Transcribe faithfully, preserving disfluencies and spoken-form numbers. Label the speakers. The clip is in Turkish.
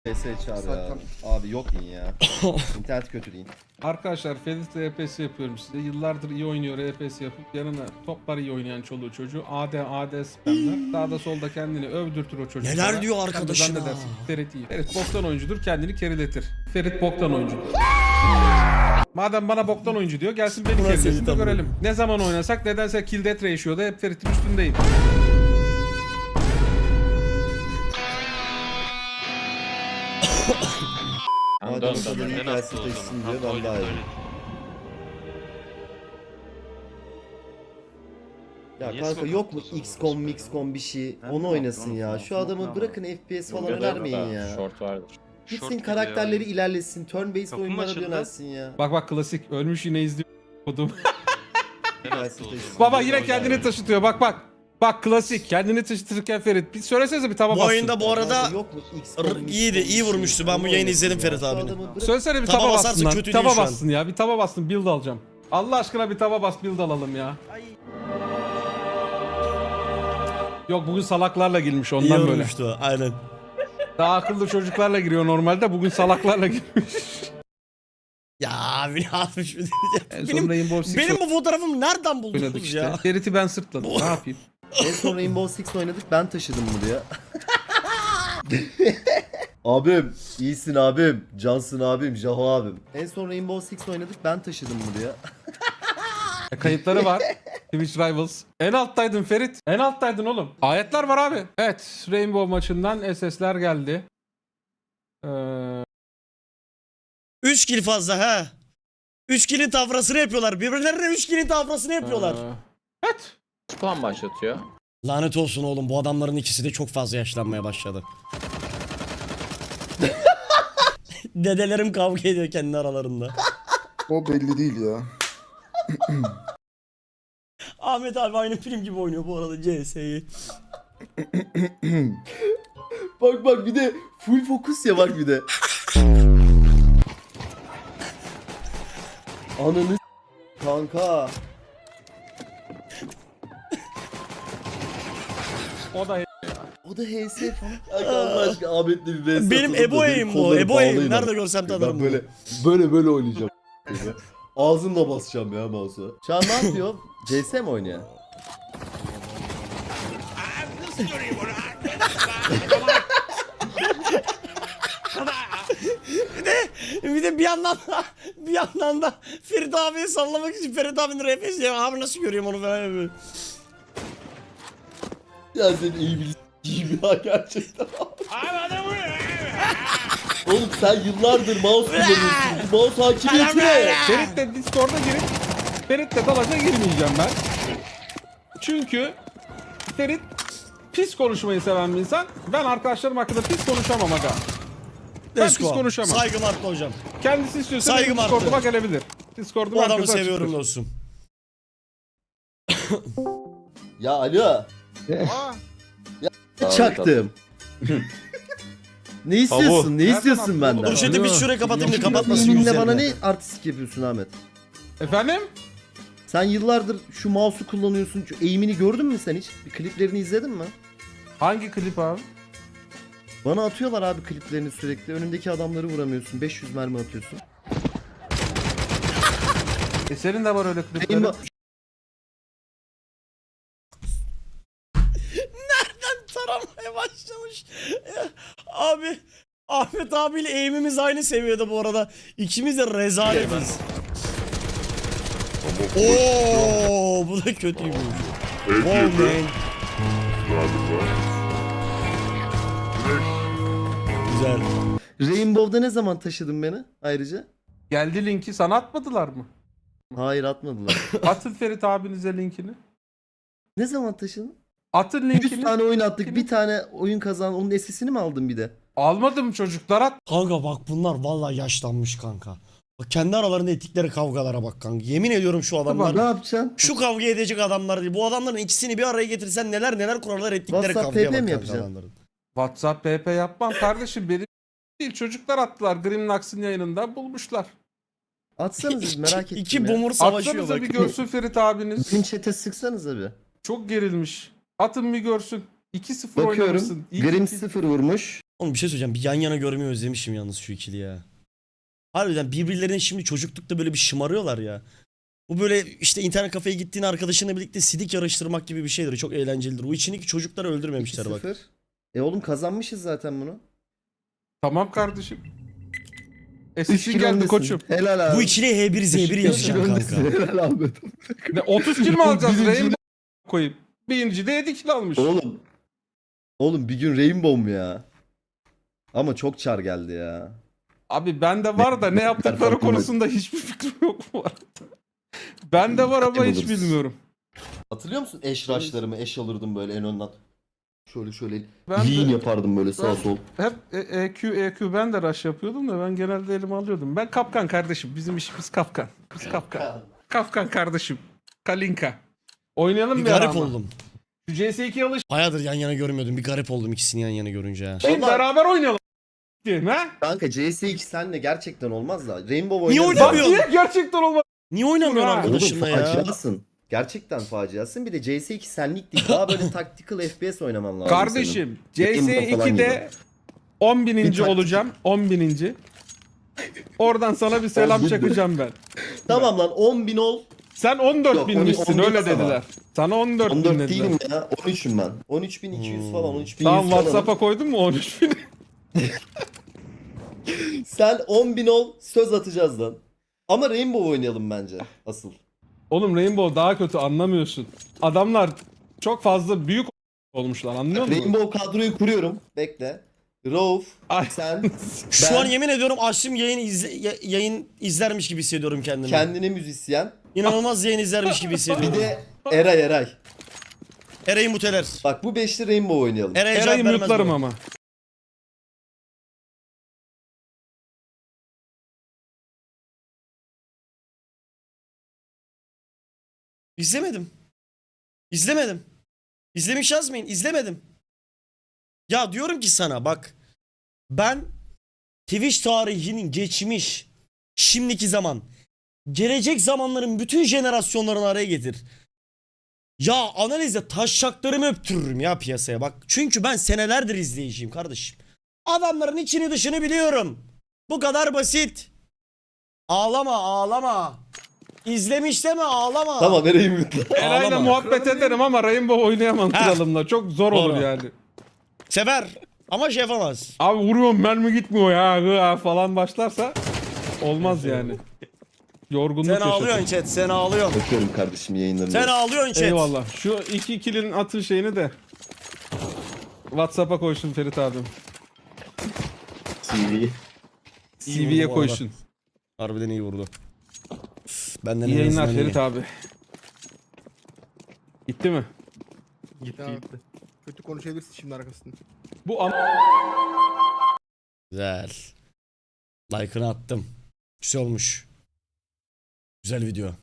Speaker 1: P S çağır ya. Abi yok deyin ya. İnternet kötü deyin.
Speaker 2: Arkadaşlar Ferit R P S yapıyorum size. Yıllardır iyi oynuyor R P S yapıp yanına toplar iyi oynayan çoluğu çocuğu. A D A D spamler. Sağda solda kendini övdürtür o çocuk.
Speaker 3: Neler diyor arkadaşına?
Speaker 2: Ferit iyi. Ferit boktan oyuncudur, kendini keriletir. Ferit boktan oyuncudur. Madem bana boktan oyuncu diyor, gelsin beni kerilesin de görelim. Ne zaman oynasak nedense kill death ratio'da hep Ferit'in üstündeyim.
Speaker 1: Madem o kadar iyi gelsin taşısın diyor, ben daha iyi. Ya kanka yok mu X COM, Mix COM bir şey? Onu oynasın ya. Şu adamı bırakın F P S falan önermeyin ya.
Speaker 4: Short vardır.
Speaker 1: Gitsin karakterleri ilerlesin. Turn based
Speaker 4: Kapım
Speaker 1: oyunlara
Speaker 4: açıldı.
Speaker 1: yönelsin ya.
Speaker 2: Bak bak klasik ölmüş yine izliyor.
Speaker 1: Gelsin taşısın.
Speaker 2: Baba yine kendini taşıtıyor, bak bak. Bak klasik kendini taşıtırken Ferit. Bir söylesenize bir taba
Speaker 3: Bu
Speaker 2: bassın.
Speaker 3: oyunda bu arada
Speaker 1: Yok mu X
Speaker 3: r-
Speaker 1: COM, Mix
Speaker 3: iyiydi,
Speaker 1: COM bir
Speaker 3: iyi
Speaker 1: şey?
Speaker 3: vurmuştu. Ben bu
Speaker 1: Onu
Speaker 3: yayını
Speaker 1: oynasın
Speaker 3: izledim
Speaker 1: ya.
Speaker 3: Ferit
Speaker 1: Şu
Speaker 3: abinin.
Speaker 1: adamı bırak-
Speaker 2: Söylesene bir
Speaker 3: Taba
Speaker 2: taba,
Speaker 3: basarsa
Speaker 2: bassın lan.
Speaker 3: kötü
Speaker 2: Bir
Speaker 3: değil
Speaker 2: taba
Speaker 3: şu an.
Speaker 2: bassın ya. Bir taba bassın, build alacağım. Allah aşkına bir taba bas, build alalım ya. Yok bugün salaklarla girmiş
Speaker 3: İyi
Speaker 2: ondan böyle.
Speaker 3: vurmuştu. Aynen.
Speaker 2: Daha akıllı çocuklarla giriyor normalde, bugün salaklarla girmiş.
Speaker 3: Ya abi ne yapmış mı
Speaker 2: En
Speaker 3: diyeceğim.
Speaker 2: son
Speaker 3: Benim,
Speaker 2: Rainbow Six
Speaker 3: benim bu fotoğrafımı nereden
Speaker 2: oynadık
Speaker 3: buldunuz
Speaker 2: işte.
Speaker 3: ya?
Speaker 2: Ferit'i ben sırtladım. Ne yapayım?
Speaker 1: En son Rainbow Six oynadık, ben taşıdım bunu diyor. Abim, iyisin abim, cansın abim, Jaho abim. En son Rainbow Six oynadık, ben taşıdım bunu diyor.
Speaker 2: E, kayıtları var. Twitch Rivals. En alttaydın Ferit. En alttaydın oğlum. Ayetler var abi. Evet. Rainbow maçından S S'ler geldi. Ee,
Speaker 3: üç kill fazla ha. üç kill'in tafrasını yapıyorlar. Birbirlerine üç kill'in tafrasını yapıyorlar.
Speaker 2: ee, evet.
Speaker 4: Spam başlatıyor.
Speaker 3: Lanet olsun oğlum, bu adamların ikisi de çok fazla yaşlanmaya başladı. Dedelerim kavga ediyor kendi aralarında.
Speaker 5: O belli değil ya.
Speaker 3: Ahmet abi aynı film gibi oynuyor bu arada C S'yi.
Speaker 1: Bak bak bir de full fokus ya, bak bir de. Ananı s- kanka.
Speaker 2: O da
Speaker 1: O da H S falan. Kanka Allah aşkına Ahmet'le bir V S
Speaker 3: Benim
Speaker 1: atalım da
Speaker 3: Ebo
Speaker 1: benim
Speaker 3: Eğim bu.
Speaker 1: kollarım
Speaker 3: Ebo Eğim.
Speaker 1: bağlayın
Speaker 3: Nerede
Speaker 1: abi.
Speaker 3: görsem tanırım.
Speaker 1: Ben böyle böyle böyle oynayacağım. Ağzımla basacağım ya mouse'a. Şu an ne yapıyor? C S mi oynuyor?
Speaker 3: Bir de bir yandan da bir yandan da Ferit abiyi sallamak için Ferit abinin R P S'yi abi nasıl görüyorum onu falan yapıyor.
Speaker 1: Ya sen iyi bir s**eyim ya gerçekten. Oğlum sen yıllardır mouse kullanıyorsun. Bu mouse hakimiyeti ne?
Speaker 2: Ferit'le Discord'a girip Ferit'le dalaca girmeyeceğim ben. Çünkü Ferit pis konuşmayı seven bir insan. Ben arkadaşlarım hakkında pis konuşamam aga. Ben
Speaker 3: Let's
Speaker 2: pis
Speaker 3: go.
Speaker 2: konuşamam.
Speaker 3: Saygım arttı hocam.
Speaker 2: Kendisi istiyorsa
Speaker 3: Saygım
Speaker 2: benim Discord'uma
Speaker 3: arttı.
Speaker 2: gelebilir. Discord'um
Speaker 3: Bu adamı
Speaker 2: herkese
Speaker 3: seviyorum
Speaker 2: açıktır.
Speaker 3: dostum.
Speaker 1: Ya alo. Çaktım. Ne istiyorsun? Ne istiyorsun benden?
Speaker 3: Dur şimdi bir şurayı kapatayım da kapatmasın
Speaker 1: Yeminle
Speaker 3: yüzlerini.
Speaker 1: bana ne artistik yapıyorsun Ahmet?
Speaker 2: Efendim?
Speaker 1: Sen yıllardır şu mouse'u kullanıyorsun. Şu eğimini gördün mü sen hiç? Bir kliplerini izledin mi?
Speaker 2: Hangi klip abi?
Speaker 1: Bana atıyorlar abi kliplerini sürekli. Önündeki adamları vuramıyorsun. beş yüz mermi atıyorsun.
Speaker 2: E senin de var öyle kliplerin.
Speaker 1: Benim
Speaker 3: Taramaya başlamış. Abi Ahmet abiyle eğimimiz aynı seviyede bu arada. İkimiz de rezaletiz. Oo, bu da kötüymüş. Wow man. Güzel.
Speaker 1: Rainbow'da ne zaman taşıdın beni ayrıca?
Speaker 2: Geldi linki sana atmadılar mı?
Speaker 1: Hayır atmadılar.
Speaker 2: Atın Ferit abinize linkini.
Speaker 1: Ne zaman taşıdın?
Speaker 2: Atın
Speaker 1: yüz
Speaker 2: linkini.
Speaker 1: tane oyun attık. Bir tane oyun kazan. Onun esesini mi aldın bir de?
Speaker 2: Almadım çocuklar, at.
Speaker 3: Kanka bak bunlar vallahi yaşlanmış kanka. Bak kendi aralarında ettikleri kavgalara bak kanka. Yemin ediyorum şu adamlar.
Speaker 1: Ne yapacaksın?
Speaker 3: Şu kavga edecek adamlar değil. Bu adamların ikisini bir araya getirsen neler neler kurarlar ettikleri
Speaker 1: WhatsApp
Speaker 3: kavgaya
Speaker 1: P P
Speaker 3: bak
Speaker 1: mi
Speaker 3: kanka
Speaker 1: yapacaksın?
Speaker 3: adamların.
Speaker 2: WhatsApp P P yapmam kardeşim, benim değil, çocuklar attılar. Grimnax'ın yayınında bulmuşlar.
Speaker 1: Atsanız biz merak ettim
Speaker 3: İki
Speaker 1: ya.
Speaker 3: bumur savaşıyor
Speaker 2: Atsanıza
Speaker 3: bak.
Speaker 2: bir görsün Ferit abiniz.
Speaker 1: Bizim chat'e sıksanıza bir.
Speaker 2: Çok gerilmiş. Atın bir görsün. iki sıfır
Speaker 1: Bakıyorum.
Speaker 2: oynamışsın. İyi
Speaker 1: Grim
Speaker 2: ki-
Speaker 1: sıfır vurmuş.
Speaker 3: Oğlum bir şey söyleyeceğim. Bir yan yana görmeyi özlemişim yalnız şu ikili ya. Harbiden birbirlerine şimdi çocuklukta böyle bir şımarıyorlar ya. Bu böyle işte internet kafeye gittiğin arkadaşınla birlikte sidik yarıştırmak gibi bir şeydir. Çok eğlencelidir. O içindeki çocukları öldürmemişler bak.
Speaker 1: sıfır. E oğlum kazanmışız zaten bunu.
Speaker 2: Tamam kardeşim.
Speaker 5: üç
Speaker 2: Esesin
Speaker 5: kilo
Speaker 2: geldi
Speaker 5: öndesin.
Speaker 2: koçum.
Speaker 5: Helal abi.
Speaker 3: Bu ikiliye H bir Z bir yazacağım kanka.
Speaker 5: Helal abi.
Speaker 2: Ne otuz kill mi alacağız
Speaker 5: Birinci-
Speaker 2: Rainbow koyup? Birinci de yedi kill almış.
Speaker 1: Oğlum. Oğlum bir gün Rainbow mu ya? Ama çok çar geldi ya.
Speaker 2: Abi bende var da ne yaptıkları
Speaker 5: Farkındayım.
Speaker 2: konusunda hiçbir fikrim yok bu arada. Bende var ama hiç
Speaker 1: Buluruz.
Speaker 2: bilmiyorum.
Speaker 1: Hatırlıyor musun eş rush'larımı? Eş alırdım böyle en önden. Şöyle şöyle
Speaker 2: Ben
Speaker 1: lean
Speaker 2: de-
Speaker 1: yapardım böyle sağ
Speaker 2: Ben-
Speaker 1: sol.
Speaker 2: Hep E- EQ EQ ben de rush yapıyordum da ben genelde elime alıyordum. Ben kapkan kardeşim. Bizim işimiz kapkan. Biz kapkan. Kapkan kardeşim. Kalinka. Oynayalım
Speaker 3: Bir
Speaker 2: bir ara
Speaker 3: garip
Speaker 2: ama.
Speaker 3: oldum.
Speaker 2: Şu C S iki'ye alış.
Speaker 3: Bayağıdır yan yana görmüyordum. Bir garip oldum ikisini yan yana görünce ha.
Speaker 2: Şimdi
Speaker 1: Vallahi-
Speaker 2: beraber oynayalım. Diyeyim ha?
Speaker 1: Kanka C S iki senle gerçekten olmaz da. Rainbow
Speaker 3: Niye
Speaker 1: oynarız.
Speaker 2: Bak
Speaker 3: oynamıyorsun?
Speaker 2: niye gerçekten olmaz.
Speaker 3: Niye oynamıyorsun
Speaker 2: Ha.
Speaker 1: Oğlum
Speaker 3: arkadaşınla ya?
Speaker 1: faciasın. Gerçekten faciasın. Bir de C S iki senlik değil. Daha böyle tactical F P S oynaman lazım
Speaker 2: Kardeşim C S
Speaker 1: Rainbow falan
Speaker 2: iki'de on
Speaker 1: Bir
Speaker 2: bininci
Speaker 1: taktik.
Speaker 2: olacağım. on bininci. Oradan sana bir selam
Speaker 1: On bin.
Speaker 2: çakacağım ben.
Speaker 1: senin. Tamam lan on bin ol.
Speaker 2: Sen on dört
Speaker 1: Yok,
Speaker 2: binmişsin
Speaker 1: on- on
Speaker 2: öyle
Speaker 1: değil ama.
Speaker 2: dediler. Sana on dört,
Speaker 1: on
Speaker 2: bin
Speaker 1: dört
Speaker 2: dediler.
Speaker 1: değilim ya. on üçüm ben. on üç bin iki yüz
Speaker 3: Hmm.
Speaker 1: falan. on üç bin
Speaker 2: Tamam
Speaker 1: yüz falan.
Speaker 2: WhatsApp'a koydun mu on üç bin?
Speaker 1: Sen on bin ol. Söz atacağız lan. Ama Rainbow oynayalım bence. Asıl.
Speaker 2: Oğlum Rainbow daha kötü anlamıyorsun. Adamlar çok fazla büyük olmuşlar anlıyor musun?
Speaker 1: Rainbow kadroyu kuruyorum. Bekle. Rauf,
Speaker 2: Ay.
Speaker 1: sen,
Speaker 3: Şu
Speaker 1: ben,
Speaker 3: an yemin ediyorum açtım yayın izle, ya- yayın izlermiş gibi hissediyorum kendimi.
Speaker 1: kendine müzisyen.
Speaker 3: İnanılmaz yayın izlermiş gibi
Speaker 1: Bir
Speaker 3: hissediyorum.
Speaker 1: de Eray Eray.
Speaker 3: Eray'ı muteler.
Speaker 1: Bak bu beşli Rainbow oynayalım.
Speaker 3: Eray'a cevap
Speaker 2: Eray'ı
Speaker 3: vermez
Speaker 2: mutlarım
Speaker 3: bu.
Speaker 2: ama.
Speaker 3: İzlemedim. İzlemedim. İzlemiş yazmayın. İzlemedim. Ya diyorum ki sana bak. Ben Twitch tarihinin geçmiş, şimdiki zaman, gelecek zamanların bütün jenerasyonlarını araya getir. Ya analizde taşşaklarımı öptürürüm ya piyasaya bak. Çünkü ben senelerdir izleyiciyim kardeşim. Adamların içini dışını biliyorum. Bu kadar basit. Ağlama ağlama. İzlemiş deme ağlama.
Speaker 1: Tamam Eray'ı mutlu.
Speaker 2: Eray'la
Speaker 3: Ağlama.
Speaker 2: muhabbet ederim ama Rainbow oynayamam
Speaker 3: Ha.
Speaker 2: kralımla. Çok zor olur
Speaker 3: Doğru.
Speaker 2: yani.
Speaker 3: Sever ama şey yapamaz.
Speaker 2: Abi vuruyorum mermi gitmiyor ya gıa falan başlarsa olmaz yani. Yorgunluk
Speaker 3: Sen
Speaker 2: yaşatır.
Speaker 3: ağlıyorsun chat sen ağlıyorsun.
Speaker 1: Bakıyorum kardeşim yayınlarını.
Speaker 3: Sen ağlıyorsun chat.
Speaker 2: Eyvallah. Şu iki kilin atın şeyini de WhatsApp'a koysun Ferit abim.
Speaker 1: T V.
Speaker 2: C
Speaker 3: İyi
Speaker 2: V'ye
Speaker 3: vurdu bu arada.
Speaker 2: koysun.
Speaker 3: Harbiden iyi vurdu. Benden
Speaker 2: İyi
Speaker 3: en
Speaker 2: yayınlar
Speaker 3: azından
Speaker 2: Ferit
Speaker 3: iyi.
Speaker 2: abi. Gitti mi?
Speaker 4: Gitti gitti. Kötü konuşabilirsin şimdi arkasında.
Speaker 2: Bu an
Speaker 3: Güzel. Like'ını attım. Güzel olmuş. Güzel video.